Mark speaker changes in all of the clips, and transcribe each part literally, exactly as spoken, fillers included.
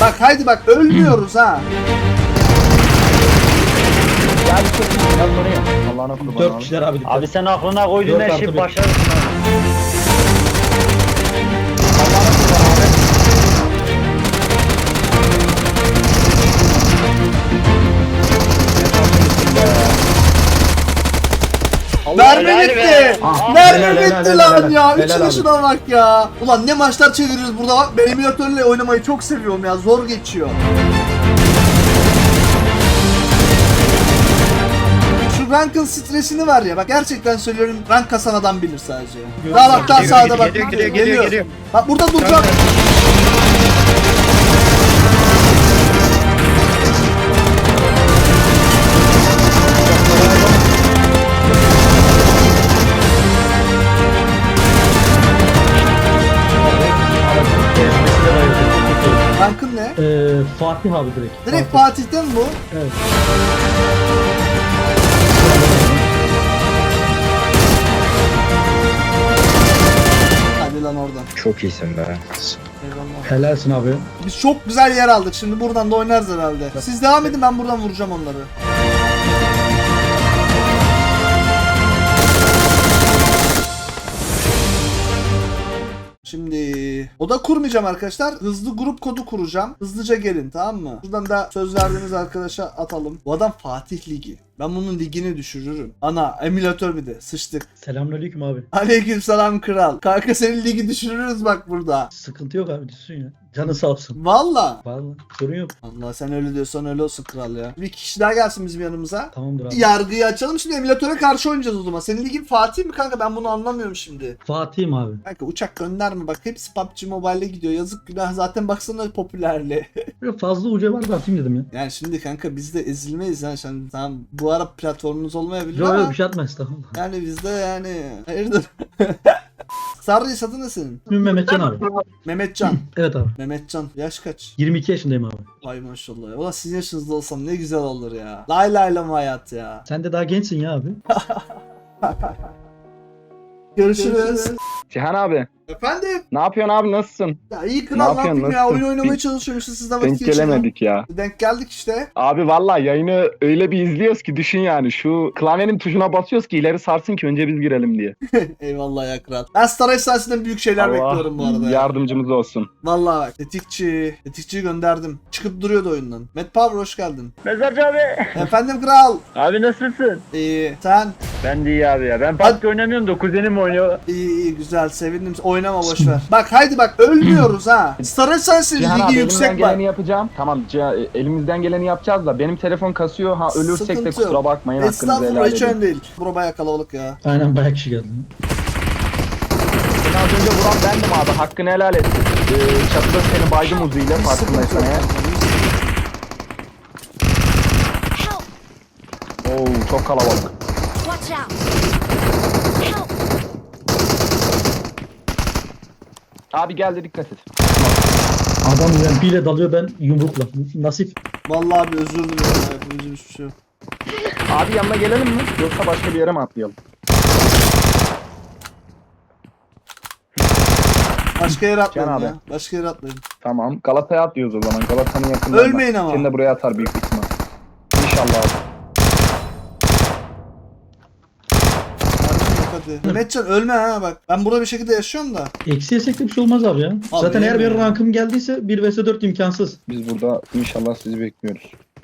Speaker 1: Bak haydi bak ölmüyoruz ha.
Speaker 2: Ya bir çok iyi. Biraz oraya. Allah'ına kurban
Speaker 3: Dört
Speaker 2: abi.
Speaker 3: kişiler abi. dikkat.
Speaker 4: Abi sen aklına koyduğun
Speaker 3: Dört
Speaker 4: her
Speaker 3: artı
Speaker 4: şeyi
Speaker 3: bir.
Speaker 4: başarırsın abi.
Speaker 2: Allah'ına kurban abi.
Speaker 1: Mermi
Speaker 4: helal
Speaker 1: bitti.
Speaker 4: be.
Speaker 3: Ah,
Speaker 1: Mermi
Speaker 3: helal,
Speaker 1: bitti
Speaker 3: helal,
Speaker 1: lan
Speaker 3: helal,
Speaker 1: ya.
Speaker 3: helal
Speaker 1: Üçüne
Speaker 3: abi.
Speaker 1: şuna bak ya. Ulan ne maçlar çeviriyoruz burada bak. Ben emülatörle oynamayı çok seviyorum ya. Zor geçiyor. Şu rankın stresini var ya. Bak gerçekten söylüyorum. Rank kasan adam bilir sadece. Daha bak daha
Speaker 4: Geliyor,
Speaker 1: sağda bak.
Speaker 4: geliyor, geliyor, geliyor, geliyor.
Speaker 1: Bak burada duracağım. Rankın ne?
Speaker 3: Ee, Fatih abi direkt.
Speaker 1: Direkt Fatih'ten mi bu?
Speaker 3: Evet.
Speaker 1: Hadi lan oradan.
Speaker 2: Çok iyisin be.
Speaker 1: Eyvallah.
Speaker 3: Helalsin abi.
Speaker 1: Biz çok güzel yer aldık. Şimdi buradan da oynarız herhalde. Siz devam edin, ben buradan vuracağım onları. Şimdi oda kurmayacağım arkadaşlar. Hızlı grup kodu kuracağım. Hızlıca gelin, tamam mı? Buradan da söz verdiğimiz arkadaşa atalım. Bu adam Fatih Ligi. Ben bunun ligini düşürürüm. Ana emülatör bir de sıçtık.
Speaker 3: Selamünaleyküm abi.
Speaker 1: Aleykümselam kral. Kanka senin ligi düşürürüz bak burada.
Speaker 3: Sıkıntı yok abi, düşsün ya. Canı sağ olsun.
Speaker 1: Valla.
Speaker 3: Vallahi sorun yok.
Speaker 1: Allah sen öyle diyorsan öyle olsun kral ya. Bir kişi daha gelsin bizim yanımıza.
Speaker 3: Tamamdır abi.
Speaker 1: Yargıyı açalım, şimdi emülatöre karşı oynayacağız o zaman. Senin ligin Fatih mi kanka, ben bunu anlamıyorum şimdi.
Speaker 3: Fatih'im abi.
Speaker 1: Kanka uçak gönderme bak, hepsi P U B G Mobile'e gidiyor, yazık günah, zaten baksana popülerliği.
Speaker 3: Böyle fazla uca var da atayım dedim ya.
Speaker 1: Yani şimdi kanka biz de ezilmeyiz ha, şimdi tamam bu ara platformunuz olmayabilir
Speaker 3: Yok
Speaker 1: ama
Speaker 3: yok bir şey atma estağfurullah.
Speaker 1: yani biz de yani hayırdır. Sarı adı ne senin?
Speaker 3: İsmim Mehmetcan abi.
Speaker 1: Mehmetcan.
Speaker 3: Evet abi.
Speaker 1: Mehmetcan yaş kaç?
Speaker 3: yirmi iki yaşındayım abi.
Speaker 1: Vay maşallah ya. Ulan sizin yaşınızda olsam ne güzel olur ya. Lay lay lam hayat ya.
Speaker 3: Sen de daha gençsin ya abi.
Speaker 1: Görüşürüz.
Speaker 2: Cihan abi.
Speaker 1: Efendim?
Speaker 2: Ne yapıyorsun abi, nasılsın?
Speaker 1: Ya iyi
Speaker 2: Ne
Speaker 1: kral, ne
Speaker 2: yapıyorsun,
Speaker 1: yapayım ya,
Speaker 2: nasılsın?
Speaker 1: oyun oynamaya
Speaker 2: Bir-
Speaker 1: çalışıyormuşuz, siz de vakit
Speaker 2: Denk
Speaker 1: geçirin.
Speaker 2: gelemedik ya.
Speaker 1: Denk geldik işte.
Speaker 2: Abi vallahi yayını öyle bir izliyoruz ki düşün yani. Şu klavyenin tuşuna basıyoruz ki ileri sarsın ki önce biz girelim diye.
Speaker 1: Eyvallah ya kral. Ben Star Efsanesi'nden büyük şeyler bekliyorum bu arada ya.
Speaker 2: yardımcımız olsun.
Speaker 1: Vallahi bak. Tetikçi. Tetikçiyi gönderdim. Çıkıp duruyordu oyundan. Matt Power hoş geldin.
Speaker 4: Mezarcı abi.
Speaker 1: Efendim kral.
Speaker 4: Abi nasılsın?
Speaker 1: İyi. Sen?
Speaker 4: Ben de iyi abi ya. Ben P U B G oynamıyorum da kuzenim oynuyor.
Speaker 1: İyi iyi güzel. Sevindim. Oynama boşver. Bak haydi bak ölmüyoruz ha. Star Efsanesi'nin
Speaker 2: Cihan abi
Speaker 1: ligi
Speaker 2: elimizden
Speaker 1: yüksek bak.
Speaker 2: geleni yapacağım. Tamam Cihan, elimizden geleni yapacağız da benim telefon kasıyor. Ha ölürsek de
Speaker 1: Sıkıntı
Speaker 2: kusura
Speaker 1: yok.
Speaker 2: bakmayın, hakkınızı helal
Speaker 1: Estağfurullah, hiç
Speaker 2: edin.
Speaker 1: önemli değil. Bura baya kalabalık ya.
Speaker 3: Aynen bayağı kişi geldi.
Speaker 2: Seni az önce vuran bendim abi, hakkını helal et. Ee, çatıda seni baydım uzuyla
Speaker 1: Hiç sıkıntı yok.
Speaker 2: farkındaysan eğer.
Speaker 5: Help!
Speaker 2: Oo çok kalabalık.
Speaker 5: Watch out! Help!
Speaker 2: Abi geldi, dikkat et.
Speaker 3: Adam yani bile dalıyor, ben yumrukla. Nasip.
Speaker 1: Vallahi abi özür dilerim ya. Yapımcı hiçbir şey yok.
Speaker 2: Abi yanına gelelim mi? Yoksa başka bir yere mi atlayalım?
Speaker 1: Başka yere atlayın
Speaker 2: Can abi.
Speaker 1: ya. Başka yere atlayın.
Speaker 2: Tamam. Galata'ya atlıyoruz o zaman. Galata'nın yakınında.
Speaker 1: Ölmeyin ama.
Speaker 2: Seni de buraya atar büyük ihtimal. İnşallah abi.
Speaker 1: Hadi. Mehmetcan ölme ha bak. Ben burada bir şekilde yaşıyorum da.
Speaker 3: Eksi yesek de bir şey olmaz abi ya. Zaten eğer
Speaker 1: yemin
Speaker 3: bir
Speaker 1: ya.
Speaker 3: rankım geldiyse bir vs dört imkansız.
Speaker 2: Biz burada inşallah sizi bekliyoruz.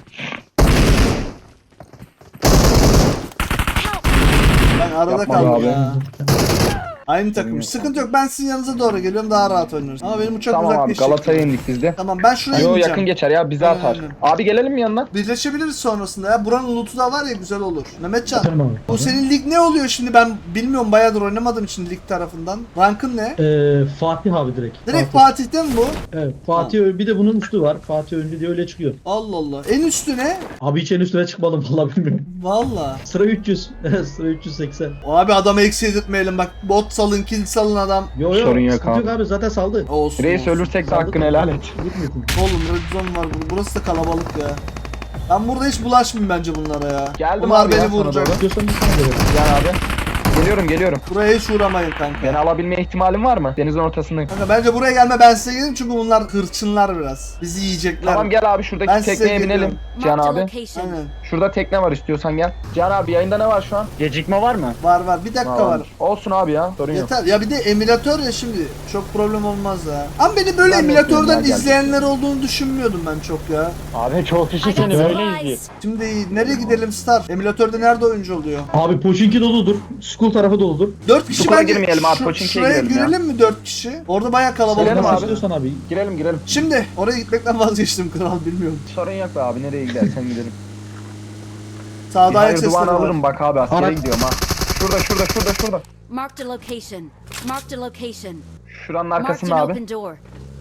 Speaker 1: Ben arada
Speaker 2: Yapma
Speaker 1: kaldım
Speaker 2: abi.
Speaker 1: ya. Aynı takım. Sıkıntı yok. Ben sizin yanınıza doğru geliyorum. Daha rahat oynarız. Ama benim uçak
Speaker 2: Tamam abi,
Speaker 1: uzaklaşacak.
Speaker 2: Galata'ya indik biz de.
Speaker 1: Tamam ben şuraya
Speaker 2: Yo
Speaker 1: ineceğim.
Speaker 2: yakın geçer ya, bizi
Speaker 1: Aynen,
Speaker 2: atar.
Speaker 1: aynen.
Speaker 2: Abi gelelim mi yanına?
Speaker 1: Birleşebiliriz sonrasında ya. Buranın loot'u da var ya, güzel olur. Mehmetcan.
Speaker 3: Tamam abi.
Speaker 1: Bu senin lig ne oluyor şimdi, ben bilmiyorum, bayağıdır oynamadığım için lig tarafından. Rankın ne?
Speaker 3: Ee, Fatih abi direkt.
Speaker 1: Direkt
Speaker 3: Fatih.
Speaker 1: Fatih'ten mi bu?
Speaker 3: Evet, Fatih ö- bir de bunun üstü var. Fatih önlü diye öyle çıkıyor.
Speaker 1: Allah Allah. En üstü ne?
Speaker 3: Abi hiç en üstüne çıkmadım vallahi bilmiyorum.
Speaker 1: Valla.
Speaker 3: Sıra üç yüz. Sıra üç yüz seksen.
Speaker 1: Abi adamı eksi yedirtmeyelim bak. Bot salın, kill salın adam.
Speaker 3: Yo yo.
Speaker 2: Sorun yok
Speaker 3: sıkıntı
Speaker 2: abi.
Speaker 3: abi, zaten saldı.
Speaker 1: Olsun.
Speaker 2: Reis
Speaker 1: olsun.
Speaker 2: ölürsek de
Speaker 3: Saldı
Speaker 2: hakkını
Speaker 3: da-
Speaker 2: helal et.
Speaker 3: Gitmesin.
Speaker 1: Oğlum red zone var burada. Burası da kalabalık ya. Ben burada hiç bulaşmayayım bence bunlara ya.
Speaker 2: Geldim
Speaker 1: Bunlar
Speaker 2: abi ya
Speaker 1: beni
Speaker 2: sana
Speaker 1: vuracak.
Speaker 2: doğru.
Speaker 3: Diyorsan bir sana verelim.
Speaker 2: Cihan abi. Geliyorum geliyorum.
Speaker 1: Buraya hiç uğramayın kanka.
Speaker 2: Beni alabilme ihtimalin var mı? Denizin ortasındayım.
Speaker 1: Kanka bence buraya gelme, ben size geleyim çünkü bunlar hırçınlar biraz. Bizi yiyecekler.
Speaker 2: Tamam gel abi şuradaki
Speaker 1: Ben size
Speaker 2: tekneye binelim.
Speaker 1: geliyorum.
Speaker 2: Can
Speaker 5: Marked a
Speaker 2: abi.
Speaker 5: location.
Speaker 1: Aynen.
Speaker 2: Şurada tekne var istiyorsan gel. Can abi yayında ne var şu an?
Speaker 4: Gecikme var mı?
Speaker 1: Var var, bir dakika var.
Speaker 2: Olsun abi ya sorun yok.
Speaker 1: Yeter. Ya bir de emülatör ya şimdi. Çok problem olmaz ya. Ama beni böyle
Speaker 2: Ben
Speaker 1: emülatörden
Speaker 2: yapıyorum ya,
Speaker 1: izleyenler olduğunu düşünmüyordum ben çok ya.
Speaker 4: Abi çok kişi
Speaker 5: I got
Speaker 4: seni böyle izliyor.
Speaker 5: supplies.
Speaker 1: Şimdi nereye gidelim Star? Emülatörde nerede oyuncu oluyor?
Speaker 3: Abi Pochinki doludur. School tarafı doludur.
Speaker 1: dört kişi
Speaker 2: Çukura
Speaker 1: bence
Speaker 2: girmeyelim abi,
Speaker 1: şu-
Speaker 2: Pochinki'ye
Speaker 1: şuraya
Speaker 2: girelim ya.
Speaker 1: girelim mi dört kişi? Orada bayağı kalabalık
Speaker 2: Girelim
Speaker 1: var.
Speaker 2: abi.
Speaker 3: İstiyorsan abi.
Speaker 2: Girelim girelim.
Speaker 1: Şimdi oraya gitmekten vazgeçtim kral, bilmiyorum.
Speaker 2: Sorun yok be abi nereye gidersen gidelim. Bir
Speaker 1: Sağda ayak
Speaker 2: hayır
Speaker 1: sesleri
Speaker 2: duvarı
Speaker 1: var.
Speaker 2: alırım bak abi askere
Speaker 3: Ara-
Speaker 2: gidiyorum ha. Şurada şurada şurada şurada.
Speaker 5: Marked a location. Marked a location.
Speaker 2: Şuranın
Speaker 5: Marked
Speaker 2: arkasında
Speaker 5: an
Speaker 2: abi.
Speaker 5: open door.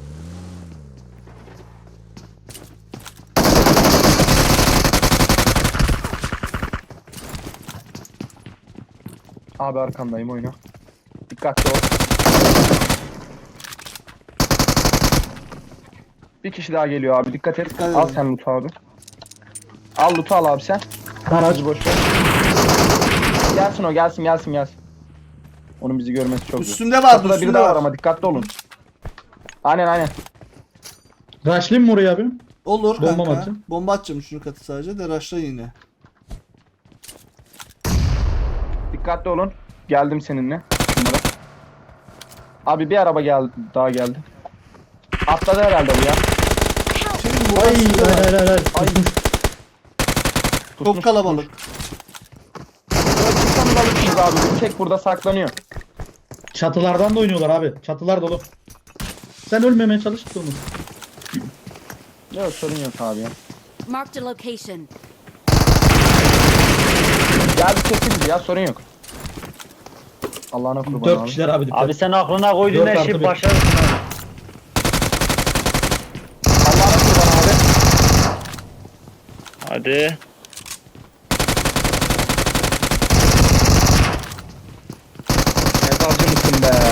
Speaker 2: Abi arkandayım oyna. Dikkatli ol. Bir kişi daha geliyor abi dikkat et.
Speaker 1: Dikkat
Speaker 2: Al
Speaker 1: edin.
Speaker 2: sen loot'u abi. Al loot'u al abi sen.
Speaker 3: Araç.
Speaker 2: Boş ver. Gelsin o gelsin gelsin gelsin. Onun bizi görmesi çok zor.
Speaker 1: Üstünde var,
Speaker 2: Kapıda biri
Speaker 1: üstünde
Speaker 2: daha var
Speaker 1: var.
Speaker 2: ama dikkatli olun. Aynen aynen.
Speaker 3: Rushlayayım mı oraya abi?
Speaker 1: Olur
Speaker 3: Bomba mı
Speaker 1: kanka.
Speaker 3: atacağım?
Speaker 1: Bomba atacağım şunu katı sadece de rushla yine.
Speaker 2: Dikkatli olun. Geldim seninle. Şunlara. Abi bir araba geldi daha geldi. Atladı herhalde bu ya.
Speaker 1: Şimdi
Speaker 3: Ay
Speaker 1: burası da var.
Speaker 3: hayır hayır hayır.
Speaker 2: Ay.
Speaker 1: Çok kalabalık.
Speaker 2: Tutmuş alırsınız abi. Bir tek burada saklanıyor.
Speaker 3: Çatılardan da oynuyorlar abi. Çatılar dolu. Sen ölmemeye çalış onu.
Speaker 2: Yok sorun yok abi ya.
Speaker 5: Marked a location.
Speaker 2: Geldi kesin ya sorun yok. Allah'ına kurban
Speaker 3: Dört
Speaker 2: abi.
Speaker 3: kişiler abi dikkat.
Speaker 4: Abi sen aklına koyduğun
Speaker 3: Dört
Speaker 4: her
Speaker 3: artı
Speaker 4: şeyi
Speaker 3: bir.
Speaker 4: başarırsın abi.
Speaker 2: Allah'ına kurban abi.
Speaker 4: Hadi.
Speaker 2: Ne savcı mısın be?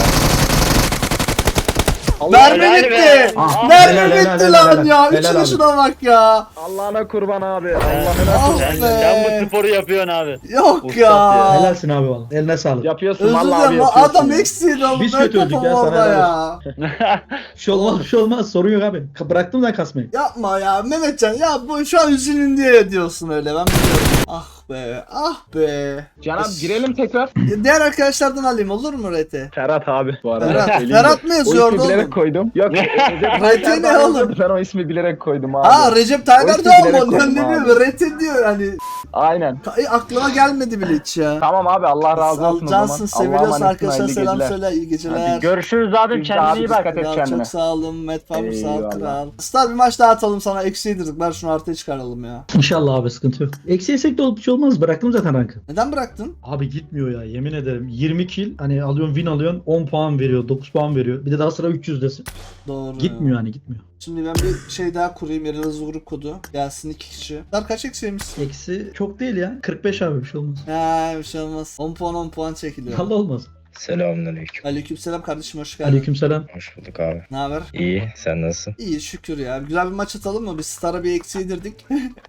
Speaker 1: Mermi
Speaker 4: helal
Speaker 1: bitti.
Speaker 4: be.
Speaker 3: Ah,
Speaker 1: Mermi
Speaker 3: helal, helal,
Speaker 1: bitti
Speaker 3: helal,
Speaker 1: lan
Speaker 3: helal.
Speaker 1: ya.
Speaker 3: Helal
Speaker 1: Üçüne
Speaker 3: abi.
Speaker 1: şuna bak ya.
Speaker 2: Allah'ına kurban abi. Allah'ına
Speaker 1: Ah
Speaker 2: kurban.
Speaker 4: Sen,
Speaker 1: be.
Speaker 4: sen bu sporu yapıyorsun abi.
Speaker 1: Yok
Speaker 4: Ustad
Speaker 1: ya.
Speaker 4: ya.
Speaker 3: Helalsin abi valla. Eline sağlık.
Speaker 2: Yapıyorsun
Speaker 1: Özür
Speaker 2: vallahi abi
Speaker 1: dilerim lan,
Speaker 2: yapıyorsun.
Speaker 1: adam
Speaker 2: ya.
Speaker 1: eksiğiydi oğlum.
Speaker 3: Biz
Speaker 1: Ben
Speaker 3: kötü öldük
Speaker 1: kafam
Speaker 3: ya, sana
Speaker 1: orada
Speaker 3: helal
Speaker 1: ya.
Speaker 3: Bir şey olmaz bir şey olmaz. Sorun yok abi. Ka- Bıraktım da kasmayı.
Speaker 1: Yapma ya Mehmetcan ya, bu şu an üzülün diye diyorsun öyle, ben biliyorum. Ah be, ah be.
Speaker 2: Can abi girelim tekrar.
Speaker 1: Diğer arkadaşlardan alayım olur mu Rete?
Speaker 2: Ferhat abi bu arada.
Speaker 1: Ferhat,
Speaker 2: söyleyeyim de.
Speaker 1: Ferhat mı
Speaker 2: O
Speaker 1: yazıyordu
Speaker 2: ismi bilerek
Speaker 1: oğlum?
Speaker 2: koydum. Yok.
Speaker 1: Rete ne oğlum?
Speaker 2: Ben o ismi bilerek koydum abi.
Speaker 1: Aa Recep Tayyip
Speaker 2: O ismi
Speaker 1: Erdoğan
Speaker 2: bilerek
Speaker 1: mı? Ne
Speaker 2: koydum
Speaker 1: diyor?
Speaker 2: abi.
Speaker 1: Rete diyor yani.
Speaker 2: Aynen.
Speaker 1: Ka- e, aklıma gelmedi bile hiç ya.
Speaker 2: Tamam abi Allah razı olsun o zaman.
Speaker 1: Cansın,
Speaker 2: Allah'a
Speaker 1: seviyorsun
Speaker 2: emanetsin,
Speaker 1: arkadaşlar,
Speaker 2: hayırlı
Speaker 1: selam
Speaker 2: geceler.
Speaker 1: söyle, iyi geceler.
Speaker 4: Hadi görüşürüz abim,
Speaker 2: Biz de
Speaker 4: kendine
Speaker 2: abi
Speaker 4: iyi bak.
Speaker 2: dikkat et
Speaker 1: Ya
Speaker 2: kendine.
Speaker 1: çok sağ olun Met Farmer, sağ ol
Speaker 2: Eyvallah.
Speaker 1: kral. Star bir maç daha atalım sana, eksi yedirdik, ver şunu artıya çıkaralım ya.
Speaker 3: İnşallah abi sıkıntı yok. Eksi yesek de olup bir şey olmaz. Bıraktım zaten rankı.
Speaker 1: Neden bıraktın?
Speaker 3: Abi gitmiyor ya yemin ederim. yirmi kill hani alıyorsun win alıyorsun on puan veriyor dokuz puan veriyor. Bir de daha sıra üç yüzdesin.
Speaker 1: Doğru.
Speaker 3: Gitmiyor hani gitmiyor.
Speaker 1: Şimdi ben bir şey daha kurayım, yerel hızlı grup kodu. Gelsin iki kişi. Star kaç eksiymiş?
Speaker 3: Eksi çok değil ya. kırk beş abi bir şey olmaz.
Speaker 1: Ha bir şey olmaz. on puan on puan çekiliyor.
Speaker 3: Allah olmaz.
Speaker 6: Selamünaleyküm.
Speaker 1: Aleykümselam kardeşim, hoş geldin.
Speaker 3: Aleykümselam.
Speaker 6: Hoş bulduk abi.
Speaker 1: Ne haber?
Speaker 6: İyi, sen nasılsın?
Speaker 1: İyi şükür ya. Güzel bir maç atalım mı? Biz Star'a bir eksi yedirdik.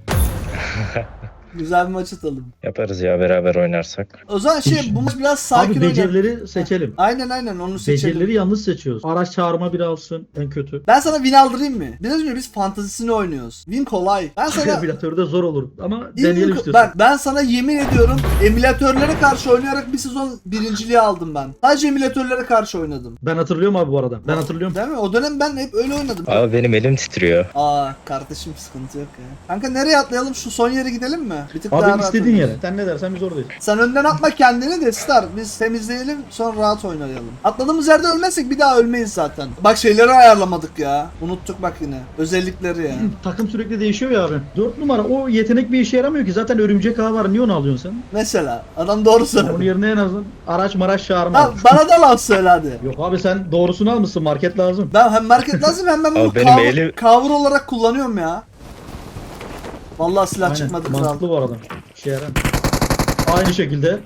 Speaker 1: Güzel bir maç atalım.
Speaker 6: Yaparız ya beraber oynarsak.
Speaker 1: O zaman şey bu maç biraz sakin
Speaker 3: Abi
Speaker 1: oynayalım.
Speaker 3: becerileri seçelim.
Speaker 1: Aynen aynen onu seçelim.
Speaker 3: Becerileri yanlış seçiyoruz. Araç çağırma biri alsın en kötü.
Speaker 1: Ben sana win aldırayım mı? Biraz önce biz fantazisini oynuyoruz. Win kolay. Ben sana
Speaker 3: Emülatörde zor olur ama
Speaker 1: İyi
Speaker 3: deneyelim
Speaker 1: mi?
Speaker 3: istiyorsan.
Speaker 1: Bak ben sana yemin ediyorum, emülatörlere karşı oynayarak bir sezon birinciliği aldım ben. Sadece emülatörlere karşı oynadım.
Speaker 3: Ben hatırlıyorum abi bu arada. Ben hatırlıyorum.
Speaker 1: Değil mi? O dönem ben hep öyle oynadım.
Speaker 6: Abi benim elim titriyor.
Speaker 1: Aa kardeşim sıkıntı yok ya. Kanka nereye atlayalım? Şu son yere gidelim mi? Bir tık daha
Speaker 3: Abi
Speaker 1: rahat
Speaker 3: istediğin
Speaker 1: oynayalım.
Speaker 3: yere. Sen ne dersen biz oradayız.
Speaker 1: Sen önden atma kendini de Star. Biz temizleyelim sonra rahat oynayalım. Atladığımız yerde ölmezsek bir daha ölmeyiz zaten. Bak şeyleri ayarlamadık ya. Unuttuk bak yine. Özellikleri ya.
Speaker 3: Takım sürekli değişiyor ya abi. dört numara o yetenek bir işe yaramıyor ki. Zaten örümcek ağı var. Niye onu alıyorsun sen?
Speaker 1: Mesela adam doğru
Speaker 3: Onun
Speaker 1: söyledi.
Speaker 3: yerine en azından araç maraş çağırma.
Speaker 1: Ha,
Speaker 3: al.
Speaker 1: bana da laf söyle hadi.
Speaker 3: Yok abi sen doğrusunu almışsın. Market lazım.
Speaker 1: Ben hem market lazım hem ben bunu
Speaker 6: Abi benim
Speaker 1: cover,
Speaker 6: elim-
Speaker 1: cover olarak kullanıyorum ya. Vallahi silah
Speaker 3: Aynen.
Speaker 1: çıkmadı kral.
Speaker 3: Mantıklı bu arada. İşe yarar. Aynı şekilde.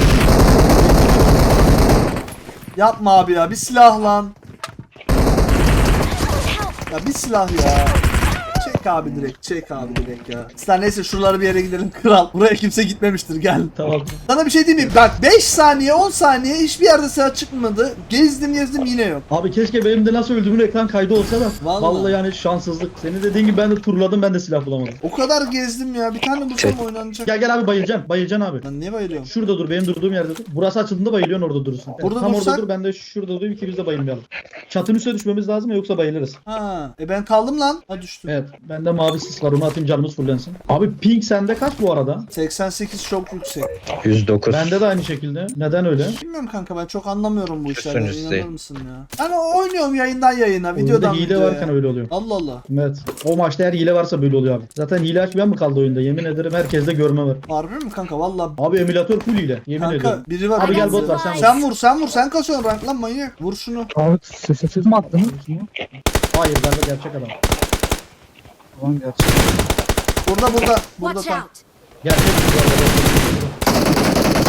Speaker 1: Yapma abi ya, bir silah lan. Ya bir silah ya. Çek Çek abi direkt. Çek abi direkt ya. Sen neyse şuralara bir yere gidelim kral. Buraya kimse gitmemiştir gel.
Speaker 3: Tamam.
Speaker 1: Sana bir şey diyeyim mi? Bak beş saniye on saniye hiçbir yerde silah çıkmadı. Gezdim gezdim yine yok.
Speaker 3: Abi keşke benim de nasıl öldüğümün ekran kaydı olsa da.
Speaker 1: Vallahi.
Speaker 3: Vallahi, yani şanssızlık. Senin dediğin gibi ben de turladım, ben de silah bulamadım.
Speaker 1: O kadar gezdim ya. Bir tane bulsam
Speaker 6: Çek.
Speaker 1: oynanacak.
Speaker 3: Gel gel abi, bayılacaksın. Bayılacaksın abi.
Speaker 1: Lan niye bayılıyorum?
Speaker 3: Şurada dur, benim durduğum yerde dur. Burası açıldığında bayılıyorsun, orada durursun.
Speaker 1: Burada
Speaker 3: Tam
Speaker 1: dursak-
Speaker 3: orada dur, ben de şurada durayım ki biz de bayılmayalım. Çatının üstüne düşmemiz lazım ya, yoksa bayılırız.
Speaker 1: Ha. E ben kaldım lan. Ha düştüm.
Speaker 3: Evet, bende mavi sis var, onu atayım canımız fullensin. Abi ping sende kaç bu arada?
Speaker 1: seksen sekiz çok yüksek.
Speaker 6: yüz dokuz.
Speaker 3: Bende de aynı şekilde. Neden öyle?
Speaker 1: Bilmiyorum kanka ben çok anlamıyorum bu
Speaker 6: Üstün
Speaker 1: işlerden.
Speaker 6: üstü.
Speaker 1: İnanır mısın ya? Ben oynuyorum yayından yayına,
Speaker 3: Oyunda
Speaker 1: videodan
Speaker 3: hile
Speaker 1: videoya.
Speaker 3: varken öyle oluyor.
Speaker 1: Allah Allah.
Speaker 3: Evet. O maçta eğer hile varsa böyle oluyor abi. Zaten hile açmayan mı kaldı oyunda? Yemin ederim herkeste görme var.
Speaker 1: Harbi mi kanka? Valla.
Speaker 3: Abi emülatör full hile. Yemin
Speaker 1: Kanka
Speaker 3: ediyorum.
Speaker 1: biri var.
Speaker 3: Abi gel
Speaker 1: bizde.
Speaker 3: bot var, sen vur.
Speaker 1: Sen vur sen vur sen kasıyorsun rank lan manyak. Vur şunu.
Speaker 7: Abi sessiz mi attınız?
Speaker 3: Hayır, bende gerçek adam.
Speaker 7: Tamam gerçi.
Speaker 1: Burada burada. Burada
Speaker 5: Watch
Speaker 1: tam.
Speaker 5: out!
Speaker 3: Gerçek bu arada.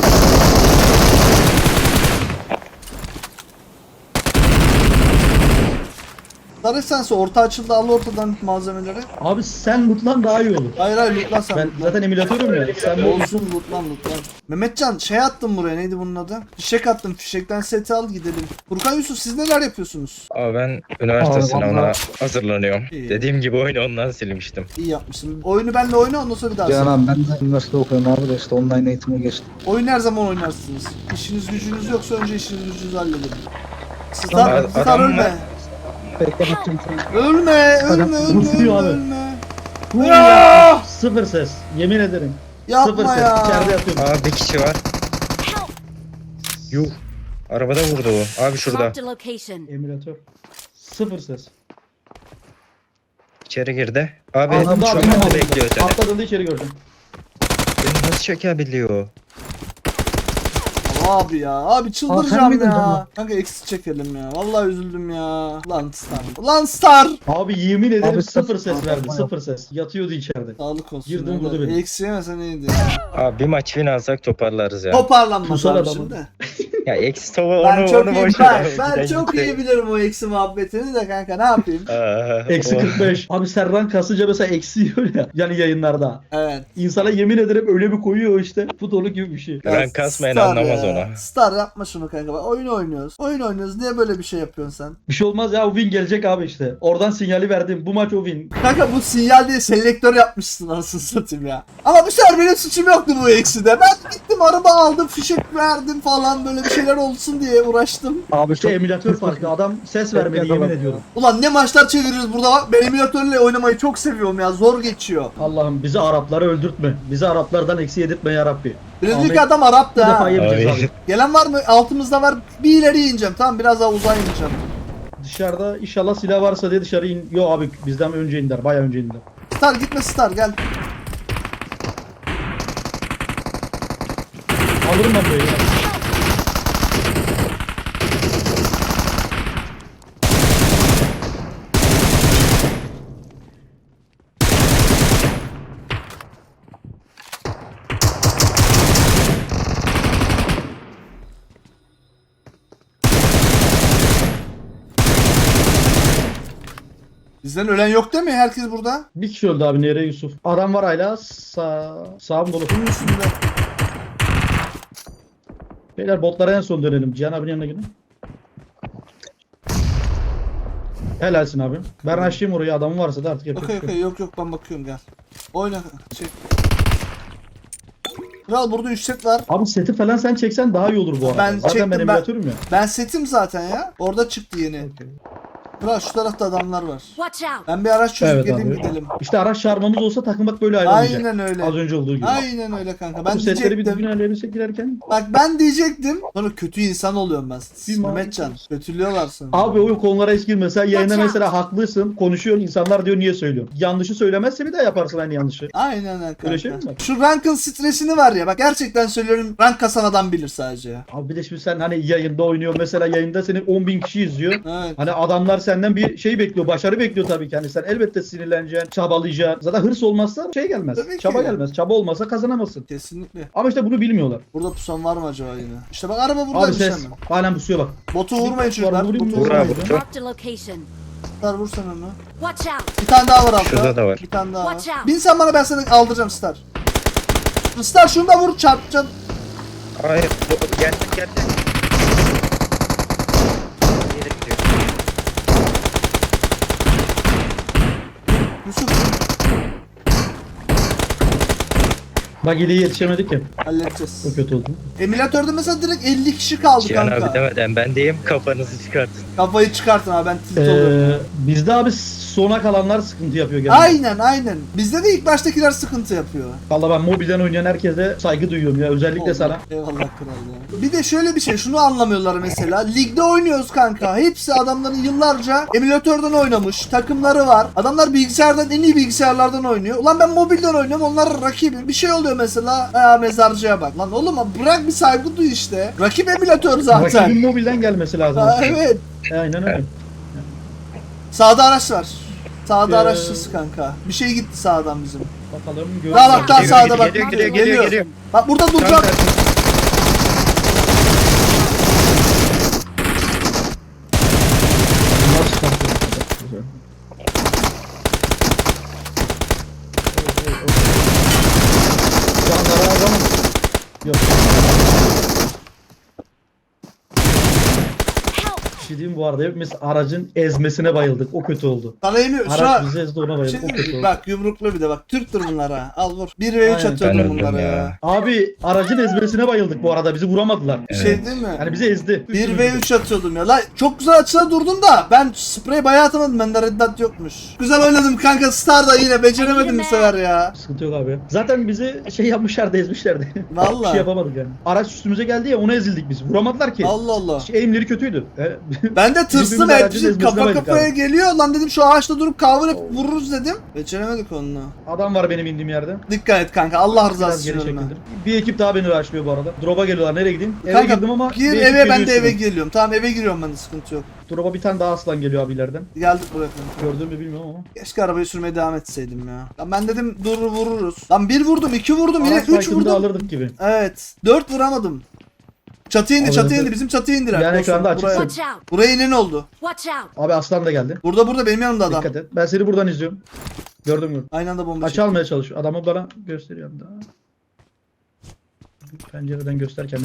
Speaker 1: Sarı sense orta açıldı al ortadan malzemeleri.
Speaker 3: Abi sen mutlan daha iyi olur.
Speaker 1: Hayır hayır lootlan sen.
Speaker 3: Ben
Speaker 1: lootlan.
Speaker 3: zaten emülatörüm ya. Sen bu
Speaker 1: Olsun lootlan lootlan. Mehmetcan şey attım buraya neydi bunun adı? Fişek attım fişekten seti al gidelim. Furkan Yusuf siz neler yapıyorsunuz?
Speaker 6: Abi ben üniversite
Speaker 7: Abi
Speaker 6: sınavına
Speaker 7: vallahi-
Speaker 6: hazırlanıyorum.
Speaker 1: İyi.
Speaker 6: Dediğim gibi oyunu ondan silmiştim.
Speaker 1: İyi yapmışsın. Oyunu benle oyna ondan sonra bir daha
Speaker 7: Cihan
Speaker 1: sen.
Speaker 7: abi ben de üniversite okuyorum abi de işte online eğitime geçtim.
Speaker 1: Oyun her zaman oynarsınız. İşiniz gücünüz yoksa önce işiniz gücünüzü halledin. Sizler,
Speaker 6: Tamam,
Speaker 1: sizler
Speaker 6: adam
Speaker 1: ölme.
Speaker 6: mı?
Speaker 7: Bekle bakayım.
Speaker 1: Ölme, ölme,
Speaker 3: Adam
Speaker 1: ölme,
Speaker 3: tutuyor
Speaker 1: ölme,
Speaker 3: abi.
Speaker 1: ölme. Ya!
Speaker 3: sıfır ses. Yemin ederim. Sıfır
Speaker 1: Yapma
Speaker 3: ses.
Speaker 1: ya.
Speaker 3: İçeride yatıyorum.
Speaker 6: Aa bir kişi var.
Speaker 5: Help!
Speaker 6: Yuh. Arabada vurdu o. Abi şurada.
Speaker 5: Marked a location.
Speaker 3: Emülatör. Sıfır ses.
Speaker 6: İçeri girdi. Abi
Speaker 3: Anladım
Speaker 6: şu
Speaker 3: abi.
Speaker 6: anda bekliyor seni.
Speaker 3: Atladığında içeri gördüm.
Speaker 6: Beni nasıl çekebiliyor?
Speaker 1: Abi ya, abi
Speaker 7: Aa,
Speaker 1: çıldıracağım
Speaker 7: sen miydin
Speaker 1: ya.
Speaker 7: tamam?
Speaker 1: Kanka eksi çekelim ya. Vallahi üzüldüm ya. Lan Star. Lan Star.
Speaker 3: Abi yemin ederim
Speaker 7: Abi
Speaker 3: sıfır
Speaker 7: sıfır-
Speaker 3: ses verdi.
Speaker 7: Yapma,
Speaker 3: Sıfır ses. Yatıyordu içeride.
Speaker 1: Sağlık olsun.
Speaker 3: Girdim,
Speaker 1: ya da
Speaker 3: vurdu beni.
Speaker 1: Eksi yemesen iyiydi.
Speaker 6: Abi bir maç win alsak toparlarız ya.
Speaker 1: Toparlanmaz
Speaker 3: Pusar
Speaker 1: abi
Speaker 3: adamı.
Speaker 1: şimdi.
Speaker 6: Ya eksi tova
Speaker 1: Ben
Speaker 6: onu
Speaker 1: çok
Speaker 6: onu
Speaker 1: iyi,
Speaker 6: boş
Speaker 1: ben,
Speaker 6: ver.
Speaker 1: ben
Speaker 6: Giden
Speaker 1: çok
Speaker 6: gitti.
Speaker 1: iyi bilirim o eksi muhabbetini de kanka ne yapayım?
Speaker 6: Aa,
Speaker 3: Eksi
Speaker 6: o-
Speaker 3: kırk beş. Abi Serran kasınca mesela eksi yiyor ya. Yani yayınlarda.
Speaker 1: Evet.
Speaker 3: İnsana yemin ederim öyle bir koyuyor işte. Futbolu gibi bir şey.
Speaker 6: Ben
Speaker 1: Ya
Speaker 6: kasmayan
Speaker 1: Star
Speaker 6: anlamaz
Speaker 1: ya.
Speaker 6: ona.
Speaker 1: Star yapma şunu kanka. Bak, oyun oynuyoruz. Oyun oynuyoruz. Niye böyle bir şey yapıyorsun sen?
Speaker 3: Bir şey olmaz ya, o win gelecek abi işte. Oradan sinyali verdim. Bu maç o win.
Speaker 1: Kanka bu sinyal diye selektör yapmışsın anasını satayım ya. Ama bu sefer benim suçum yoktu bu ekside. Ben gittim araba aldım, fişek verdim falan böyle bir şeyler olsun diye uğraştım.
Speaker 7: Abi
Speaker 3: İşte
Speaker 7: çok
Speaker 3: emülatör farkı. Adam ses vermedi, yemin ediyorum.
Speaker 1: Ulan ne maçlar çeviriyoruz burada bak. Ben emülatörle oynamayı çok seviyorum ya. Zor geçiyor.
Speaker 3: Allah'ım bizi Arapları öldürtme. Bizi Araplardan eksi yedirtme ya Rabbi.
Speaker 1: Birinci
Speaker 3: Ahmet,
Speaker 1: adam Arap'tı
Speaker 3: Bir
Speaker 1: ha.
Speaker 3: defa yemeyeceğiz
Speaker 6: Ay.
Speaker 3: abi.
Speaker 1: Gelen var mı? Altımızda var. Bir ileri ineceğim. Tamam biraz daha uzağa ineceğim.
Speaker 3: Dışarıda inşallah silah varsa diye dışarı in. Yo abi bizden önce indiler. Bayağı önce indiler.
Speaker 1: Star gitme Star gel.
Speaker 3: Alırım ben böyle.
Speaker 1: Bizden ölen yok değil mi? Herkes burada.
Speaker 3: Bir kişi öldü abi, nereye Yusuf? Adam var hala. Sağ, sağım dolu.
Speaker 1: Bunun üstünde.
Speaker 3: Beyler botlara en son dönelim. Cihan abinin yanına gidin. Helalsin abi. Ben açayım orayı, adamın varsa da artık yapacak
Speaker 1: Okey
Speaker 3: bir şey
Speaker 1: okey
Speaker 3: yok.
Speaker 1: yok yok ben bakıyorum gel. Oyna. Çek. Kral burada üç set var.
Speaker 3: Abi seti falan sen çeksen daha iyi olur bu arada.
Speaker 1: Ben
Speaker 3: Zaten
Speaker 1: çektim,
Speaker 3: ben
Speaker 1: ben-
Speaker 3: emülatörüm ya.
Speaker 1: Ben setim zaten ya. Orada çıktı yeni.
Speaker 3: Okey.
Speaker 1: Kral şu tarafta adamlar var.
Speaker 5: Watch out!
Speaker 1: Ben bir araç çözüp
Speaker 3: Evet
Speaker 1: geleyim
Speaker 3: abi.
Speaker 1: gidelim.
Speaker 3: İşte araç çarmamız olsa takım bak böyle ayrılmayacak.
Speaker 1: Aynen öyle.
Speaker 3: Az önce olduğu gibi.
Speaker 1: Aynen öyle kanka. Ben
Speaker 3: Bu setleri bir
Speaker 1: diyecektim.
Speaker 3: düzgün ayarlayabilsek girerken.
Speaker 1: Bak ben diyecektim. Sonra kötü insan oluyorum ben.
Speaker 3: Bir
Speaker 1: Mehmetcan. Kötülüyorlar sana.
Speaker 3: Abi o konulara hiç girme. Sen yayında
Speaker 5: Watch
Speaker 3: mesela haklısın. Konuşuyorsun. İnsanlar diyor niye söylüyorsun. Yanlışı söylemezse bir daha yaparsın aynı yanlışı.
Speaker 1: Aynen öyle kanka.
Speaker 3: Öyle şey mi var?
Speaker 1: Şu rankın stresini var ya. Bak gerçekten söylüyorum. Rank kasan adam bilir sadece ya.
Speaker 3: Abi bir de şimdi sen hani yayında oynuyor. Mesela yayında seni on bin kişi izliyor.
Speaker 1: Evet.
Speaker 3: Hani adamlar senden bir şey bekliyor. Başarı bekliyor tabii ki. Hani sen elbette sinirleneceksin. Çabalayacaksın. Zaten hırs olmazsa şey gelmez.
Speaker 1: Tabii ki.
Speaker 3: Çaba gelmez. Çaba olmasa kazanamazsın.
Speaker 1: Kesinlikle.
Speaker 3: Ama işte bunu bilmiyorlar.
Speaker 1: Burada pusan var mı acaba yine? İşte bak araba
Speaker 3: Abi
Speaker 1: buradaymış
Speaker 3: ses.
Speaker 1: hemen.
Speaker 3: Halen pusuyor bak.
Speaker 1: Botu vurmayın
Speaker 3: Bir-
Speaker 1: çocuklar.
Speaker 3: vurayım
Speaker 1: Botu
Speaker 3: mı?
Speaker 6: Vur abi,
Speaker 1: vurmayın.
Speaker 6: vur.
Speaker 5: Marked a location.
Speaker 1: Star vur sen onu.
Speaker 5: Watch out!
Speaker 1: Bir tane daha var altta.
Speaker 6: Şurada da var.
Speaker 1: Bir tane daha var.
Speaker 5: Watch out.
Speaker 1: Bin sen bana, ben seni aldıracağım Star. Star şunu da vur, çarpacaksın.
Speaker 6: Hayır. bu- Geldim geldim. Nereye gidiyor?
Speaker 1: Yusuf
Speaker 3: Bak iyiliği yetişemedik ya.
Speaker 1: halledeceğiz.
Speaker 3: O kötü oldu.
Speaker 1: Emülatörde mesela direkt elli kişi kaldı
Speaker 6: Cihan
Speaker 1: kanka.
Speaker 6: abi demeden ben deyim, kafanızı çıkartın.
Speaker 1: Kafayı çıkartın abi, ben tilt oluyorum.
Speaker 3: Ee, bizde abi sona kalanlar sıkıntı yapıyor genelde.
Speaker 1: Aynen aynen. Bizde de ilk baştakiler sıkıntı yapıyor.
Speaker 3: Valla ben mobilden oynayan herkese saygı duyuyorum ya. Özellikle
Speaker 1: Oldu.
Speaker 3: sana.
Speaker 1: Eyvallah kral ya. Bir de şöyle bir şey, şunu anlamıyorlar mesela. Ligde oynuyoruz kanka. Hepsi adamların yıllarca emülatörden oynamış. Takımları var. Adamlar bilgisayardan, en iyi bilgisayarlardan oynuyor. Ulan ben mobilden oynuyorum. Onlar rakibim. Bir şey oluyor mesela. Aa, mezarcıya bak. Lan oğlum bırak bir saygı duy işte. Rakip emülatör zaten.
Speaker 3: Rakibin mobilden gelmesi lazım.
Speaker 1: Aa, evet.
Speaker 3: Aynen öyle.
Speaker 1: Sağda araç var. Sağda
Speaker 3: Ee,
Speaker 1: araçlısı kanka. Bir şey gitti sağdan bizim.
Speaker 3: Bakalım.
Speaker 1: Daha bak daha
Speaker 6: Geliyor,
Speaker 1: sağda bak.
Speaker 6: geliyor, geliyor, geliyor, geliyor.
Speaker 1: Bak burada
Speaker 3: Tam
Speaker 1: duracak.
Speaker 3: tersi. Nasıl kalkıyor? Canlara adam. Yok. Bir şey diyeyim bu arada, hepimiz aracın ezmesine bayıldık. O kötü oldu.
Speaker 1: Sana yemiyor. Şu
Speaker 3: Araç
Speaker 1: an
Speaker 3: bizi ezdi, ona bayıldık.
Speaker 1: şey
Speaker 3: O
Speaker 1: değil
Speaker 3: kötü
Speaker 1: mi?
Speaker 3: oldu.
Speaker 1: Bak yumruklu bir de bak. Türktür bunlar ha. Al vur. bir ve üç
Speaker 3: Aynen.
Speaker 1: atıyordum
Speaker 6: Ben öldüm
Speaker 1: bunlara ya.
Speaker 6: ya.
Speaker 3: Abi aracın ezmesine bayıldık bu arada. Bizi vuramadılar.
Speaker 1: Bir şey değil mi?
Speaker 3: Yani bizi ezdi.
Speaker 1: bir ve üç atıyordum ya. La çok güzel açıda durdum da ben sprey bayağı atamadım. Bende reddat yokmuş. Güzel oynadım kanka. Star da yine beceremedim bu sefer ya.
Speaker 3: Sıkıntı yok abi. Zaten bizi şey yapmışlardı, ezmişlerdi. Bir şey
Speaker 1: Vallahi.
Speaker 3: yapamadık yani. Araç üstümüze geldi ya, ona ezildik biz. Vuramadılar ki.
Speaker 1: Allah Allah.
Speaker 3: Şey, eğimleri kötüydü. E,
Speaker 1: Ben de tırstım
Speaker 3: Birbirimizi aracın
Speaker 1: hepsi
Speaker 3: ezmesine
Speaker 1: kafa
Speaker 3: bayıldık
Speaker 1: kafaya
Speaker 3: abi.
Speaker 1: geliyor. Lan dedim şu ağaçta durup cover yapıp vururuz dedim. Beceremedik onunla.
Speaker 3: Adam var benim indiğim yerde.
Speaker 1: Dikkat et kanka. Allah
Speaker 3: Biraz
Speaker 1: rızası
Speaker 3: geri
Speaker 1: için ölme.
Speaker 3: çekildim. Bir ekip daha beni rushlıyor bu arada. Drop'a geliyorlar. Nereye gideyim? Eve
Speaker 1: Kanka,
Speaker 3: girdim ama
Speaker 1: gir
Speaker 3: bir ekip
Speaker 1: eve, ben
Speaker 3: geliyor
Speaker 1: de eve
Speaker 3: üstüme.
Speaker 1: geliyorum. Tamam eve giriyorum ben de, sıkıntı yok.
Speaker 3: Drop'a bir tane daha aslan geliyor abi ileriden.
Speaker 1: Geldik buraya kanka.
Speaker 3: Gördün mü bilmiyorum ama.
Speaker 1: Keşke arabayı sürmeye devam etseydim ya. Lan ben dedim dur vururuz. Lan bir vurdum, iki vurdum, yine
Speaker 3: Araç
Speaker 1: üç
Speaker 3: fight'ını da
Speaker 1: vurdum.
Speaker 3: alırdık gibi.
Speaker 1: Evet. Dört vuramadım. Çatıya indi,
Speaker 3: Alırdı.
Speaker 1: çatıya indi. Bizim çatıya indiler.
Speaker 3: Yani
Speaker 1: Dostum,
Speaker 3: ekranda açık
Speaker 1: buraya.
Speaker 3: sen.
Speaker 5: Watch out!
Speaker 1: Buraya inen oldu.
Speaker 5: Watch out!
Speaker 3: Abi aslan da geldi.
Speaker 1: Burada burada benim yanımda adam.
Speaker 3: Dikkat et. Ben seni buradan izliyorum. Gördüm gördüm.
Speaker 1: Aynı anda bomba
Speaker 3: Aç
Speaker 1: çekti.
Speaker 3: almaya çalışıyor. Adamı bana gösteriyor daha. Pencereden göster kendini.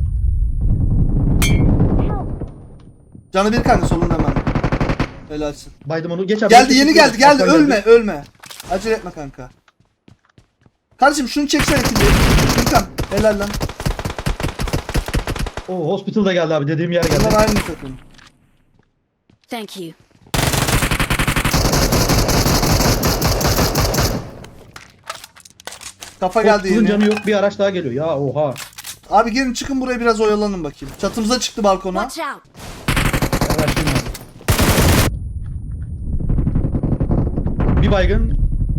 Speaker 1: Canı bir kanka solunda hemen. Helalsin.
Speaker 3: Baydım onu. Geç abi.
Speaker 1: Geldi
Speaker 3: geç,
Speaker 1: yeni
Speaker 3: geç,
Speaker 1: geldi
Speaker 3: geç.
Speaker 1: geldi,
Speaker 3: Aslan
Speaker 1: ölme ölme. Acele etme kanka. Kardeşim şunu çeksene ikinci. Gürkan helal lan.
Speaker 3: Oo, hospital da geldi abi. Dediğim yer geldi.
Speaker 1: Bunlar aynı takım.
Speaker 5: Thank you.
Speaker 1: Kafa geldi
Speaker 3: Hospital'ın
Speaker 1: yeni.
Speaker 3: canı yok. Bir araç daha geliyor. Ya oha.
Speaker 1: Abi gelin çıkın buraya biraz oyalanın bakayım. Çatımıza çıktı balkona.
Speaker 5: Watch out!
Speaker 3: Araçlayayım abi. Bir baygın.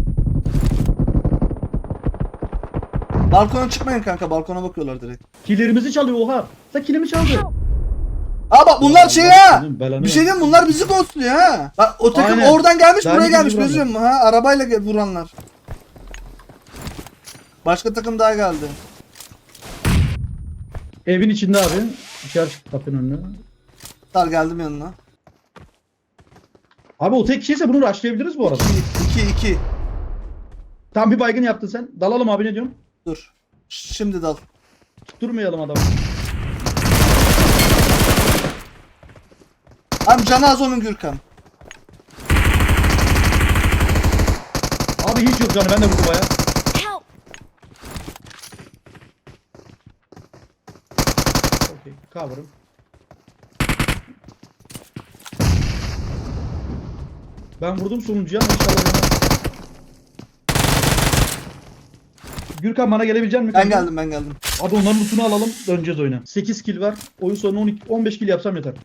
Speaker 1: Balkona çıkmayın kanka, balkona bakıyorlar direkt.
Speaker 3: Killerimizi çalıyor oha. Sen kilimi çaldı.
Speaker 1: Aa bak bunlar şey ha.
Speaker 3: Senin belanı
Speaker 1: Bir şey
Speaker 3: ver.
Speaker 1: diyeyim, bunlar bizi ghostluyor ha. Bak o takım
Speaker 3: Aynen.
Speaker 1: oradan gelmiş,
Speaker 3: Ben
Speaker 1: buraya
Speaker 3: bizi
Speaker 1: gelmiş,
Speaker 3: vuranlar.
Speaker 1: biliyor musun ha? Arabayla gel- vuranlar. Başka takım daha geldi.
Speaker 3: Evin içinde abi. Dışarı çıktı kapının önüne.
Speaker 1: Dar geldim yanına.
Speaker 3: Abi o tek kişiyse bunu rushlayabiliriz bu arada.
Speaker 1: iki iki.
Speaker 3: Tam bir baygın yaptın sen. Dalalım abi, ne diyorsun?
Speaker 1: Dur. Şimdi dal.
Speaker 3: Durmayalım adamı.
Speaker 1: Abi canı az onun Gürkan.
Speaker 3: Abi hiç yok canı, ben de vurdum baya.
Speaker 5: Help!
Speaker 3: Okey, cover'ım. Ben vurdum sonuncuya ama inşallah. bana- Gürkan bana gelebilecek misin?
Speaker 1: Ben geldim ben geldim.
Speaker 3: Abi onların lootunu alalım, döneceğiz oyuna. sekiz kill var. Oyun sonuna on iki, on beş kill yapsam yeter.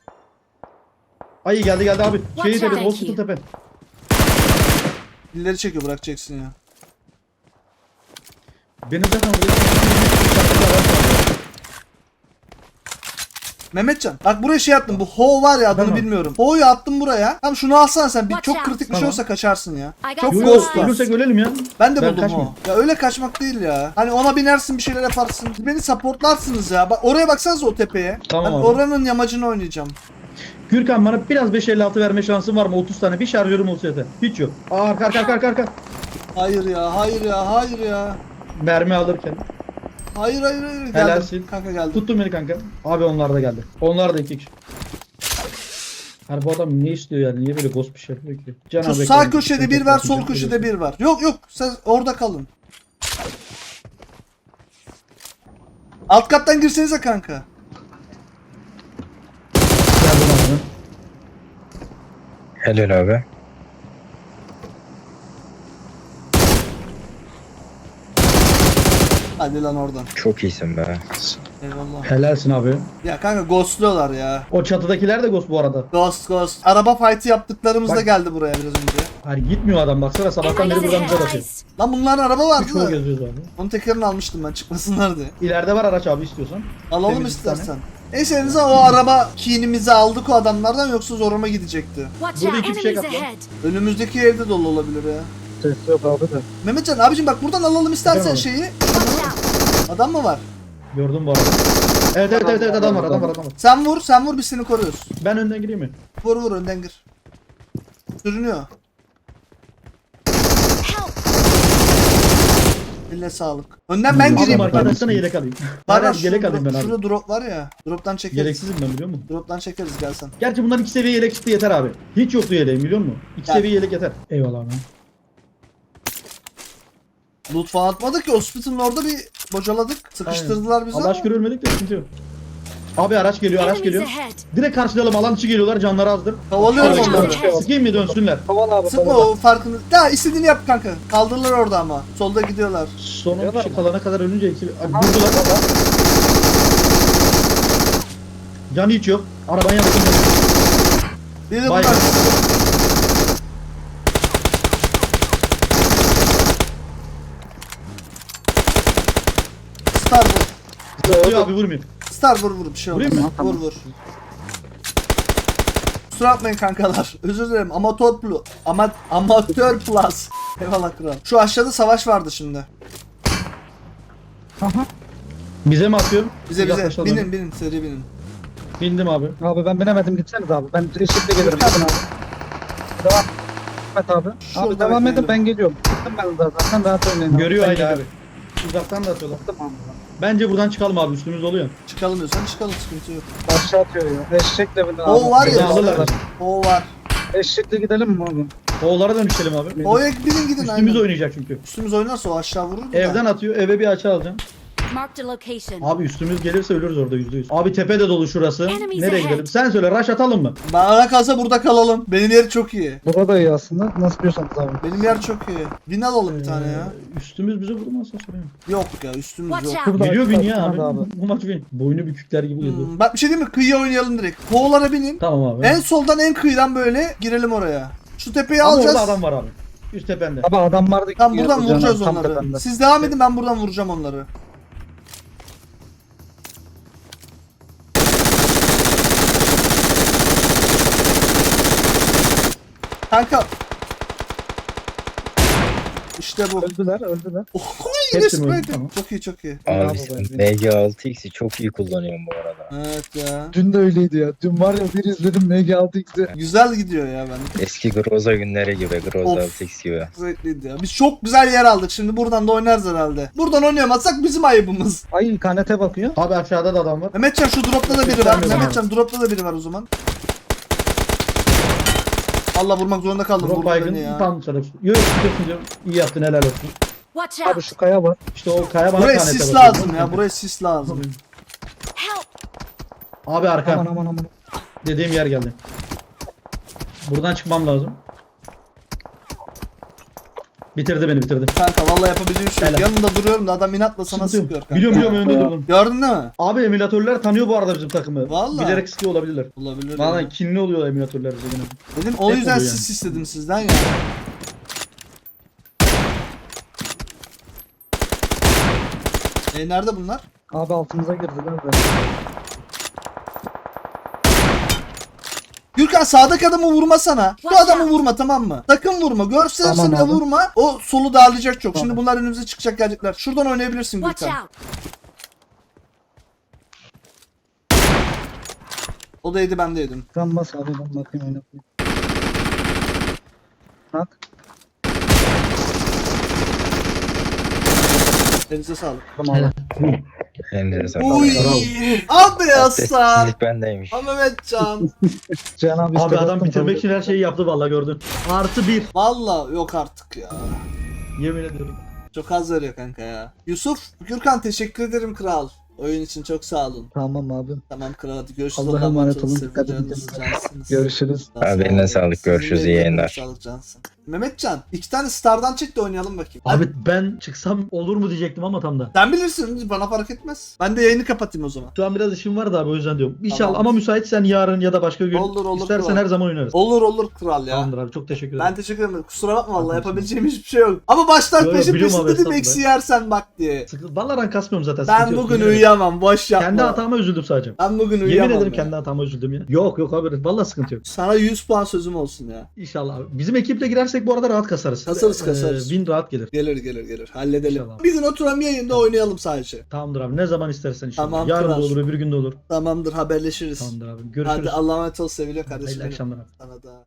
Speaker 3: Ay geldi geldi abi. Şeyi
Speaker 5: Watch
Speaker 3: tepe,
Speaker 5: out.
Speaker 3: hospital tepe.
Speaker 1: Dilleri çekiyor, bırakacaksın ya.
Speaker 3: Benim zaten orada...
Speaker 1: Mehmetcan bak buraya şey attım, bu Ho var ya, adını
Speaker 3: Tamam.
Speaker 1: bilmiyorum. Ho'yu attım buraya. Tamam şunu alsana sen, bir
Speaker 5: Watch
Speaker 1: çok
Speaker 5: out.
Speaker 1: kritik bir şey
Speaker 3: Tamam.
Speaker 1: olsa kaçarsın ya.
Speaker 5: I got
Speaker 1: Çok
Speaker 3: Yo yo,
Speaker 1: ghost var.
Speaker 3: ölürsek ölelim ya.
Speaker 1: Ben de
Speaker 3: Ben
Speaker 1: buldum
Speaker 3: kaçmayayım.
Speaker 1: o. Ya öyle kaçmak değil ya. Hani ona binersin, bir şeyler yaparsın. Beni supportlarsınız ya. Bak oraya baksanıza, o tepeye.
Speaker 3: Tamam
Speaker 1: Ben
Speaker 3: abi.
Speaker 1: oranın yamacını oynayacağım.
Speaker 3: Gürkan bana biraz beş elli altı verme şansın var mı? otuz tane bir şarjörüm olsa yeter. Hiç yok. Aa arka arka arka arka, arka.
Speaker 1: Hayır ya, hayır ya, hayır ya.
Speaker 3: Mermi alırken.
Speaker 1: Hayır hayır hayır. Geldim.
Speaker 3: Helalsin.
Speaker 1: Kanka geldim.
Speaker 3: Tuttun beni kanka. Abi onlar da geldi. Onlar da iki kişi. Hani bu adam ne istiyor yani? Niye böyle ghost bir şey yapıyor ki? Can
Speaker 1: Şu
Speaker 3: abi
Speaker 1: sağ
Speaker 3: bekle.
Speaker 1: köşede bir var, sol köşede bir var. Yok yok, siz orada kalın. Alt kattan girsenize kanka.
Speaker 3: Geldim abi.
Speaker 6: Helal abi.
Speaker 1: Hadi lan oradan.
Speaker 6: Çok iyisin be.
Speaker 1: Eyvallah.
Speaker 3: Helalsin abi.
Speaker 1: Ya kanka ghostluyorlar ya.
Speaker 3: O çatıdakiler de ghost bu arada.
Speaker 1: Ghost ghost. Araba fight'ı yaptıklarımızda
Speaker 3: Bak.
Speaker 1: geldi buraya biraz önce.
Speaker 3: Hayır gitmiyor adam baksana sabahtan beri
Speaker 5: Enemies
Speaker 3: buradan bize bakıyor.
Speaker 5: ahead.
Speaker 1: Lan bunların araba vardı
Speaker 3: Çoğu
Speaker 1: da.
Speaker 3: geziyoruz abi.
Speaker 1: Onun tekerini almıştım ben, çıkmasınlar diye.
Speaker 3: İleride var araç abi istiyorsan.
Speaker 1: Alalım
Speaker 3: Temiz bir tane.
Speaker 1: istersen. Neyse elinize o araba kinimizi aldık o adamlardan, yoksa zoruma gidecekti.
Speaker 5: Watch
Speaker 3: Burada
Speaker 5: out,
Speaker 3: iki fişek
Speaker 5: enemies
Speaker 3: at lan.
Speaker 5: ahead.
Speaker 1: Önümüzdeki evde dolu olabilir ya.
Speaker 7: Ses yok abi de.
Speaker 1: Mehmetcan abicim bak buradan alalım istersen
Speaker 3: Tamam.
Speaker 1: şeyi.
Speaker 5: Watch out.
Speaker 1: Adam mı var?
Speaker 3: Gördüm bu arada. Evet evet evet, evet adam var adam var adam var.
Speaker 1: Sen vur, sen vur, biz seni koruyoruz.
Speaker 3: Ben önden gireyim mi?
Speaker 1: Vur vur, önden gir. Sürünüyor.
Speaker 5: Help.
Speaker 1: Eline sağlık. Önden ben gireyim.
Speaker 3: Abi arkadaşına yelek alayım.
Speaker 1: Var
Speaker 3: Hayır yelek alayım ben abi.
Speaker 1: Şurada drop var ya. Drop'tan çekeriz.
Speaker 3: Yeleksizim ben biliyor musun?
Speaker 1: Drop'tan çekeriz, gelsen.
Speaker 3: Gerçi bunlar iki seviye yelek çıktı yeter abi. Hiç yoktu yeleğim biliyor musun? İki
Speaker 1: Gel.
Speaker 3: seviye yelek yeter. Eyvallah abi.
Speaker 1: Loot falan atmadık ki, hospital'ın orada bir bocaladık. Sıkıştırdılar bizi
Speaker 3: Allah
Speaker 1: ama.
Speaker 3: aşkına ölmedik de sıkıntı yok. Abi araç geliyor araç
Speaker 5: Enemies
Speaker 3: geliyor.
Speaker 5: ahead.
Speaker 3: Direkt karşılayalım alan dışı geliyorlar canları azdır.
Speaker 1: Kovalıyoruz
Speaker 3: Araç
Speaker 1: onları.
Speaker 3: geliyor. Sıkayım mı dönsünler.
Speaker 7: Haval abi.
Speaker 1: Sıkma o farkını. Ya istediğini yap kanka. Kaldırırlar orada ama. Solda gidiyorlar.
Speaker 3: Son on
Speaker 7: Geliyorlar
Speaker 3: kişi
Speaker 7: mı?
Speaker 3: kalana kadar ölünce eksi... Abi vurdular. Canı hiç yok. Arabanın yanında.
Speaker 1: Biri
Speaker 3: Vay
Speaker 1: bunlar.
Speaker 3: be.
Speaker 1: Star vur.
Speaker 3: Vuruyor abi vurmuyor.
Speaker 1: Star vur vur, bir şey olmaz.
Speaker 3: Vurayım
Speaker 7: mı?
Speaker 1: Vur vur. Kusura bakmayın kankalar. Özür dilerim. Amatör plus. Ama amatör plus. Eyvallah kral. Şu aşağıda savaş vardı şimdi.
Speaker 7: Aha.
Speaker 3: Bize mi atıyorsun?
Speaker 1: Bize bize.
Speaker 3: Yaklaşalım.
Speaker 1: Binin binin, seri binin.
Speaker 3: Bindim abi.
Speaker 7: Abi ben binemedim, gitseniz abi. Ben eşlikle gelirim. Gidin abi. Devam. Evet abi.
Speaker 1: Şurada
Speaker 7: Abi devam
Speaker 1: bekleyelim.
Speaker 7: edin, ben geliyorum. Gittim ben de zaten, rahat oynayın.
Speaker 3: Görüyor
Speaker 7: Ben
Speaker 3: aynı
Speaker 7: geliyorum.
Speaker 3: abi. Uzaktan da atıyorlar.
Speaker 7: Tamam.
Speaker 3: Bence buradan çıkalım abi üstümüz oluyor.
Speaker 1: Çıkalım diyorsan çıkalım, sıkıntı yok.
Speaker 7: Aşağı atıyor ya. Eşekle binin abi.
Speaker 1: O var ya.
Speaker 3: Bizi alırlar.
Speaker 1: O var.
Speaker 7: Eşekle gidelim mi abi?
Speaker 3: Oğullara dönüşelim abi.
Speaker 1: O ek binin gidin
Speaker 3: Üstümüz
Speaker 1: aynen.
Speaker 3: oynayacak çünkü.
Speaker 1: Üstümüz oynarsa o aşağı vurur. da.
Speaker 3: Evden atıyor eve bir açı alacaksın.
Speaker 5: Marked a location.
Speaker 3: Abi üstümüz gelirse ölürüz orada yüzde yüz. Abi tepe de dolu şurası.
Speaker 5: Enemies
Speaker 3: Nereye
Speaker 5: ahead.
Speaker 3: gidelim? Sen söyle rush atalım mı?
Speaker 1: Bana kalsa burada kalalım. Benim yer çok iyi.
Speaker 7: Burada iyi aslında. Nasıl diyorsanız abi.
Speaker 1: Benim yer çok iyi. Win alalım bir tane ya.
Speaker 3: Ee, Üstümüz bize vurmazsa sorayım.
Speaker 1: Yok ya, üstümüz
Speaker 5: Watch
Speaker 1: yok.
Speaker 5: out.
Speaker 7: Burada
Speaker 3: Geliyor
Speaker 7: açık
Speaker 3: bin ya
Speaker 7: aslında
Speaker 3: abi. Bu maç bin. Boynu bükükler gibi geziyor.
Speaker 1: Hmm, bak bir şey diyeyim mi? Kıyıya oynayalım direkt. Koğulara binin.
Speaker 3: Tamam abi.
Speaker 1: En soldan en kıyıdan böyle girelim oraya. Şu tepeyi
Speaker 3: Ama
Speaker 1: alacağız.
Speaker 3: orada adam var abi. Üst tepende.
Speaker 7: Abi adam vardı.
Speaker 1: Tam buradan
Speaker 7: Yapacağım,
Speaker 1: vuracağız
Speaker 7: tam
Speaker 1: onları.
Speaker 7: tepemde.
Speaker 1: Siz devam edin, ben buradan vuracağım onları. Kanka. İşte bu.
Speaker 7: Öldüler, öldüler.
Speaker 1: Oh,
Speaker 3: Hepsi mi
Speaker 1: yine
Speaker 3: öldü?
Speaker 1: sprey.
Speaker 3: Tamam.
Speaker 1: Çok iyi çok iyi.
Speaker 6: Abi
Speaker 7: Bravo
Speaker 6: sen
Speaker 7: be.
Speaker 6: M G altı X'i çok iyi kullanıyorsun bu arada.
Speaker 1: Evet ya.
Speaker 7: Dün de öyleydi ya. Dün var ya bir izledim M G altı X'i.
Speaker 1: Güzel gidiyor ya ben.
Speaker 6: Eski Groza günleri gibi. Groza
Speaker 1: Of.
Speaker 6: altı X gibi.
Speaker 1: Zevkliydi ya. Biz çok güzel yer aldık. Şimdi buradan da oynarız herhalde. Buradan oynayamazsak bizim ayıbımız.
Speaker 7: Ay kanete bakıyor.
Speaker 3: Abi aşağıda da adam var.
Speaker 1: Mehmetcan şu dropta da biri var.
Speaker 3: Gelmiyorum
Speaker 1: Mehmetcan dropta da biri var o zaman. Allah, vurmak zorunda kaldım.
Speaker 3: Drop
Speaker 1: Vurdu
Speaker 3: baygın
Speaker 1: beni ya.
Speaker 3: tam taraf. Yok gidiyorsun diyorum. İyi yaptın helal olsun.
Speaker 5: Watch
Speaker 7: Abi
Speaker 5: out.
Speaker 7: şu kaya var.
Speaker 3: İşte o kaya bana
Speaker 1: Buraya
Speaker 3: kanete
Speaker 1: sis
Speaker 3: bakıyor.
Speaker 1: lazım ya. Buraya sis lazım.
Speaker 5: Help.
Speaker 3: Abi arka.
Speaker 7: Aman aman aman.
Speaker 3: Dediğim yer geldi. Buradan çıkmam lazım. Bitirdi beni bitirdi.
Speaker 1: Kanka vallahi yapabildiğim şey yok.
Speaker 3: Helal.
Speaker 1: Yanında duruyorum da adam inatla sana
Speaker 3: Sıkıntı yok.
Speaker 1: sıkıyor kanka.
Speaker 3: Biliyorum biliyorum önünde durdum.
Speaker 1: Gördün değil mi?
Speaker 3: Abi emülatörler tanıyor bu arada bizim takımı.
Speaker 1: Vallahi.
Speaker 3: Bilerek sıkıyor olabilirler.
Speaker 1: Olabilir.
Speaker 3: Valla
Speaker 1: ya.
Speaker 3: kinli oluyor emülatörler bize gene.
Speaker 1: Dedim o
Speaker 3: Hep
Speaker 1: yüzden
Speaker 3: oluyor
Speaker 1: sis istedim sizden ya. E nerede bunlar?
Speaker 7: Abi altımıza girdiler de.
Speaker 1: Gürkan sağdaki adamı vurmasana. Bu
Speaker 5: Watch
Speaker 1: adamı
Speaker 5: out.
Speaker 1: vurma, tamam mı? Sakın vurma. Görselerse
Speaker 7: Tamam
Speaker 1: bile
Speaker 7: abi.
Speaker 1: vurma. O solu darlayacak çok. Şimdi
Speaker 7: Tamam.
Speaker 1: bunlar önümüze çıkacak, gelecekler. Şuradan oynayabilirsin
Speaker 5: Watch
Speaker 1: Gürkan.
Speaker 5: out.
Speaker 1: O da yedi, ben de yedim.
Speaker 7: Kan bas abi ben bakayım oynatayım. Bak.
Speaker 1: Elinize sağlık.
Speaker 7: Tamam abi.
Speaker 6: Elinize sağlık.
Speaker 1: Uy. Abi Aslan.
Speaker 6: Abdestsizlik bendeymiş.
Speaker 1: Ha Mehmetcan.
Speaker 7: Cihan abi,
Speaker 3: Abi
Speaker 7: işte
Speaker 3: adam
Speaker 7: baktım
Speaker 3: bitirmek
Speaker 7: tabii.
Speaker 3: için her şeyi yaptı vallahi gördün. Artı bir.
Speaker 1: Valla yok artık ya.
Speaker 3: Yemin ediyorum.
Speaker 1: Çok az veriyor kanka ya. Yusuf, Gürkan teşekkür ederim kral. Oyun için çok sağ olun.
Speaker 7: Tamam abi.
Speaker 1: Tamam kral, hadi görüşürüz.
Speaker 7: Allah'a emanet olun.
Speaker 1: Sevgili
Speaker 7: Dikkat edin
Speaker 1: canınız,
Speaker 7: kendinize.
Speaker 1: cansınız.
Speaker 7: Görüşürüz.
Speaker 1: Sağ
Speaker 6: Abi eline
Speaker 1: olun.
Speaker 6: sağlık,
Speaker 1: Sizin de
Speaker 6: görüşürüz, iyi
Speaker 1: ellerine
Speaker 6: yayınlar.
Speaker 1: Sağlık cansın. Mehmetcan, iki tane stardan çek de oynayalım bakayım.
Speaker 3: Abi ben çıksam olur mu diyecektim ama tam da.
Speaker 1: Sen bilirsin, bana fark etmez. Ben de yayını kapatayım o zaman.
Speaker 3: Şu an biraz işim var da abi o yüzden diyorum. İnşallah
Speaker 1: Tamam.
Speaker 3: ama müsaitsen yarın ya da başka gün
Speaker 1: Olur, olur,
Speaker 3: istersen
Speaker 1: kral.
Speaker 3: her zaman oynarız.
Speaker 1: Olur olur kral ya.
Speaker 3: Tamamdır abi çok teşekkür ederim.
Speaker 1: Ben teşekkür ederim. Kusura bakma vallahi,
Speaker 3: Tamam,
Speaker 1: yapabileceğim hiçbir şey yok. Ama baştan
Speaker 3: Yo, yo,
Speaker 1: peşin
Speaker 3: biliyorum
Speaker 1: peşin
Speaker 3: abi,
Speaker 1: dedim
Speaker 3: estağfurullah.
Speaker 1: eksi yersen bak diye.
Speaker 3: Sıkı- Vallahi ben kasmıyorum zaten.
Speaker 1: Ben
Speaker 3: sıkıntı yok,
Speaker 1: bugün
Speaker 3: yemin ederim.
Speaker 1: uyuyamam, boş yapma.
Speaker 3: Kendi hatama üzüldüm sadece.
Speaker 1: Ben bugün
Speaker 3: Yemin
Speaker 1: uyuyamam
Speaker 3: ederim
Speaker 1: ya.
Speaker 3: kendi hatama üzüldüm ya. Yok yok abi vallahi sıkıntı yok.
Speaker 1: Sana yüz puan sözüm olsun ya.
Speaker 3: İnşallah abi. Bizim ekiple girersek bu arada rahat kasarız.
Speaker 1: Kasarız,
Speaker 3: Ee,
Speaker 1: kasarız.
Speaker 3: Win rahat gelir.
Speaker 1: Gelir gelir gelir. Halledelim.
Speaker 3: İnşallah.
Speaker 1: Bir gün oturalım yayında oynayalım sadece.
Speaker 3: Tamamdır abi ne zaman istersen inşallah.
Speaker 1: Tamam,
Speaker 3: Yarın
Speaker 1: kral.
Speaker 3: da olur öbür gün de olur.
Speaker 1: Tamamdır, haberleşiriz.
Speaker 3: Tamamdır abi görüşürüz.
Speaker 1: Hadi Allah'a emanet ol sevgili kardeşim.
Speaker 3: Hayırlı
Speaker 1: benim.
Speaker 3: akşamlar abi.
Speaker 1: Sana da.